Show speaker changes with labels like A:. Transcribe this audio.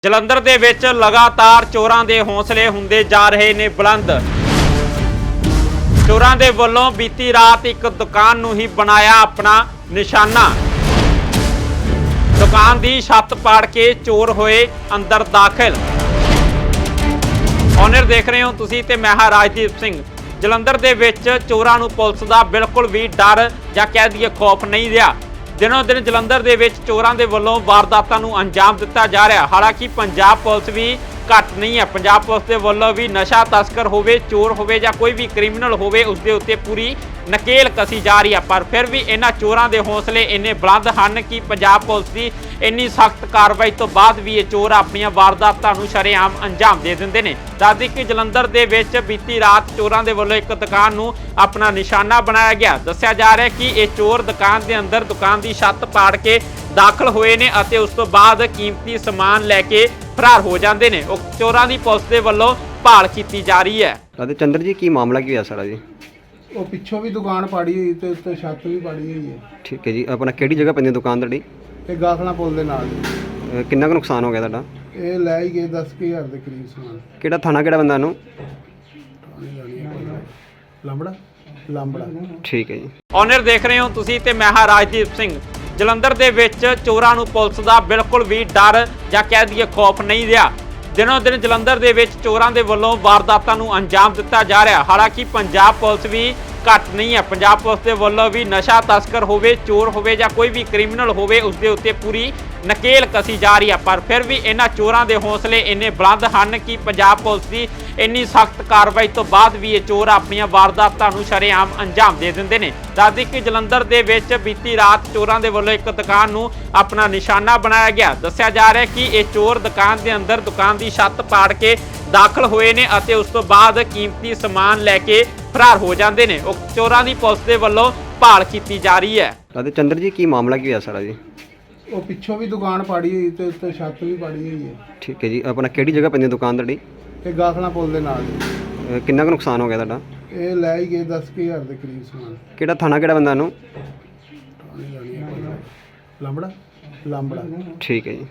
A: ਜਲੰਧਰ ਦੇ ਵਿੱਚ ਲਗਾਤਾਰ ਚੋਰਾਂ ਦੇ ਹੌਸਲੇ ਹੁੰਦੇ ਜਾ ਰਹੇ ਨੇ ਬੁਲੰਦ। ਚੋਰਾਂ ਦੇ ਵੱਲੋਂ ਬੀਤੀ ਰਾਤ ਇੱਕ ਦੁਕਾਨ ਨੂੰ ਹੀ ਬਣਾਇਆ ਆਪਣਾ ਨਿਸ਼ਾਨਾ। ਦੁਕਾਨ ਦੀ ਛੱਤ ਪਾੜ ਕੇ ਚੋਰ ਹੋਏ ਅੰਦਰ ਦਾਖਲ। ਔਨਰ ਦੇਖ ਰਹੇ ਹੋ ਤੁਸੀਂ ਤੇ ਮੈਂ ਹਾਂ ਰਾਜਦੀਪ ਸਿੰਘ। ਜਲੰਧਰ ਦੇ ਵਿੱਚ ਚੋਰਾਂ ਨੂੰ ਪੁਲਿਸ ਦਾ ਬਿਲਕੁਲ ਵੀ ਡਰ ਜਾਂ ਕਹਿ ਦਈਏ ਖੌਫ ਨਹੀਂ ਰਿਹਾ। ਦਿਨੋਂ ਦਿਨ ਜਲੰਧਰ ਦੇ ਵਿੱਚ ਚੋਰਾਂ ਦੇ ਵੱਲੋਂ ਵਾਰਦਾਤਾਂ ਨੂੰ ਅੰਜਾਮ ਦਿੱਤਾ ਜਾ ਰਿਹਾ। ਹਾਲਾਂਕਿ ਪੰਜਾਬ ਪੁਲਿਸ ਵੀ ਘੱਟ ਨਹੀਂ ਹੈ। ਪੰਜਾਬ ਪੁਲਿਸ ਦੇ ਵੱਲੋਂ ਵੀ ਨਸ਼ਾ ਤਸਕਰ ਹੋਵੇ, ਚੋਰ ਹੋਵੇ ਜਾਂ ਕੋਈ ਵੀ ਕ੍ਰਿਮੀਨਲ ਹੋਵੇ, ਉਸ ਦੇ ਉੱਤੇ ਪੂਰੀ ਨਕੇਲ ਕਸੀ ਜਾ ਰਹੀ ਹੈ। ਪਰ ਫਿਰ ਵੀ ਇਹਨਾਂ ਚੋਰਾਂ ਦੇ ਹੌਸਲੇ ਇੰਨੇ ਬੁਲੰਦ ਹਨ ਕਿ ਪੰਜਾਬ ਪੁਲਿਸ ਦੀ ਇੰਨੀ ਸਖਤ ਕਾਰਵਾਈ ਤੋਂ ਬਾਅਦ ਵੀ ਇਹ ਚੋਰ ਆਪਣੀਆਂ ਵਾਰਦਾਤਾਂ ਨੂੰ ਸ਼ਰੇਆਮ ਅੰਜਾਮ ਦੇ ਦਿੰਦੇ ਨੇ। ਦੱਸਦੀ ਕਿ ਜਲੰਧਰ ਦੇ ਵਿੱਚ ਬੀਤੀ ਰਾਤ ਚੋਰਾਂ ਦੇ ਵੱਲੋਂ ਇੱਕ ਦੁਕਾਨ ਨੂੰ ਆਪਣਾ ਨਿਸ਼ਾਨਾ ਬਣਾਇਆ ਗਿਆ। ਦੱਸਿਆ ਜਾ ਰਿਹਾ ਕਿ ਇਹ ਚੋਰ ਦੁਕਾਨ ਦੇ ਅੰਦਰ ਦੁਕਾਨ ਦੀ ਛੱਤ ਪਾੜ ਕੇ ਦਾਖਲ ਹੋਏ ਨੇ ਅਤੇ ਉਸ ਤੋਂ ਬਾਅਦ ਕੀਮਤੀ ਸਮਾਨ ਲੈ ਕੇ ਫਰਾਰ ਹੋ ਜਾਂਦੇ ਨੇ। ਉਹ ਚੋਰਾਂ ਦੀ ਪੁਲਿਸ ਦੇ ਵੱਲੋਂ ਭਾਲ ਕੀਤੀ ਜਾ ਰਹੀ ਹੈ।
B: ਰਾਧੇ ਚੰਦਰ ਜੀ, ਕੀ ਮਾਮਲਾ ਕੀ ਹੋਇਆ ਸਾਰਾ ਜੀ?
C: ਉਹ ਪਿੱਛੋਂ ਵੀ ਦੁਕਾਨ ਪਾੜੀ ਹੋਈ ਤੇ ਉੱਤੇ ਛੱਤ ਵੀ ਪਾੜੀ ਹੋਈ ਹੈ।
B: ਠੀਕ ਹੈ ਜੀ, ਆਪਣਾ ਕਿਹੜੀ ਜਗ੍ਹਾ ਪੈਂਦੀ ਦੁਕਾਨ ਤੁਹਾਡੀ?
C: ਤੇ ਗਾਖਲਾ ਪੁੱਲ ਦੇ ਨਾਲ
B: ਕਿੰਨਾ ਕੁ ਨੁਕਸਾਨ ਹੋ ਗਿਆ ਤੁਹਾਡਾ?
C: ਇਹ ਲੈ ਹੀ ਗਏ 10,000 ਦੇ ਕਰੀਬ ਸਮਾਨ।
B: ਕਿਹੜਾ ਥਾਣਾ, ਕਿਹੜਾ ਬੰਦਾ ਇਹਨੂੰ?
C: ਲਾਂਬੜਾ।
B: ਠੀਕ ਹੈ ਜੀ।
A: ਔਨਰ ਦੇਖ ਰਹੇ ਹੋ ਤੁਸੀਂ ਤੇ ਮੈਂ ਹਾਂ ਰਾਜਦੀਪ ਸਿੰਘ। ਜਲੰਧਰ ਦੇ ਵਿੱਚ ਚੋਰਾਂ ਨੂੰ ਪੁਲਿਸ ਦਾ ਬਿਲਕੁਲ ਵੀ ਡਰ ਜਾਂ ਕਹਿ ਦਈਏ ਖੌਫ ਨਹੀਂ ਰਿਹਾ। ਦਿਨੋਂ ਦਿਨ ਜਲੰਧਰ ਦੇ ਵਿੱਚ ਚੋਰਾਂ ਦੇ ਵੱਲੋਂ ਵਾਰਦਾਤਾਂ ਨੂੰ ਅੰਜਾਮ ਦਿੱਤਾ ਜਾ ਰਿਹਾ। ਹਾਲਾਂਕਿ ਪੰਜਾਬ ਪੁਲਿਸ ਵੀ ਘੱਟ ਨਹੀਂ ਹੈ। ਪੰਜਾਬ ਪੁਲਿਸ ਦੇ ਵੱਲੋਂ ਵੀ ਨਸ਼ਾ ਤਸਕਰ ਹੋਵੇ, ਚੋਰ ਹੋਵੇ ਜਾਂ ਕੋਈ ਵੀ ਕ੍ਰਿਮੀਨਲ ਹੋਵੇ, ਉਸ ਦੇ ਉੱਤੇ ਪੂਰੀ ਨਕੇਲ ਕਸੀ ਜਾ ਰਹੀ ਹੈ। ਪਰ ਫਿਰ ਵੀ ਇਹਨਾਂ ਚੋਰਾਂ ਦੇ ਹੌਸਲੇ ਇੰਨੇ ਬੁਲੰਦ ਹਨ ਕਿ ਪੰਜਾਬ ਪੁਲਿਸ ਦੀ ਇੰਨੀ ਸਖਤ ਕਾਰਵਾਈ ਤੋਂ ਬਾਅਦ ਵੀ ਇਹ ਚੋਰ ਆਪਣੀਆਂ ਵਾਰਦਾਤਾਂ ਨੂੰ ਸ਼ਰੇਆਮ ਅੰਜਾਮ ਦੇ ਦਿੰਦੇ ਨੇ। ਦੱਸਦੀ ਕਿ ਜਲੰਧਰ ਦੇ ਵਿੱਚ ਬੀਤੀ ਰਾਤ ਚੋਰਾਂ ਦੇ ਵੱਲੋਂ ਇੱਕ ਦੁਕਾਨ ਨੂੰ ਆਪਣਾ ਨਿਸ਼ਾਨਾ ਬਣਾਇਆ ਗਿਆ। ਦੱਸਿਆ ਜਾ ਰਿਹਾ ਕਿ ਇਹ ਚੋਰ ਦੁਕਾਨ ਦੇ ਅੰਦਰ ਦੁਕਾਨ ਦੀ ਛੱਤ ਪਾੜ ਕੇ ਦਾਖਲ ਹੋਏ ਨੇ ਅਤੇ ਉਸ ਤੋਂ ਬਾਅਦ ਕੀਮਤੀ ਸਮਾਨ ਲੈ ਕੇ ਫਰਾਰ ਹੋ ਜਾਂਦੇ ਨੇ। ਉਹ ਚੋਰਾਂ ਦੀ ਪੁਲਿਸ ਦੇ ਵੱਲੋਂ ਭਾਲ ਕੀਤੀ ਜਾ ਰਹੀ ਹੈ।
B: ਰਾਧੇ ਚੰਦਰ ਜੀ, ਕੀ ਮਾਮਲਾ ਕੀ ਹੋਇਆ ਸਾਰਾ ਜੀ?
C: ਉਹ ਪਿੱਛੋਂ ਵੀ ਦੁਕਾਨ ਪਾੜੀ ਹੋਈ ਤੇ ਉੱਤੇ ਛੱਤ ਵੀ ਪਾੜੀ ਹੋਈ ਹੈ।
B: ਠੀਕ ਹੈ ਜੀ, ਆਪਣਾ ਕਿਹੜੀ ਜਗ੍ਹਾ ਪੈਂਦੀ ਦੁਕਾਨ ਤੁਹਾਡੀ?
C: ਤੇ ਗਾਖਲਾ ਪੁੱਲ ਦੇ ਨਾਲ
B: ਕਿੰਨਾ ਕੁ ਨੁਕਸਾਨ ਹੋ ਗਿਆ ਤੁਹਾਡਾ?
C: ਇਹ ਲੈ ਹੀ ਗਏ 10,000 ਦੇ ਕਰੀਬ ਸਮਾਨ।
B: ਕਿਹੜਾ ਥਾਣਾ, ਕਿਹੜਾ ਬੰਦਾ ਇਹਨੂੰ?
C: ਲਾਂਬੜਾ।
B: ਠੀਕ ਹੈ ਜੀ।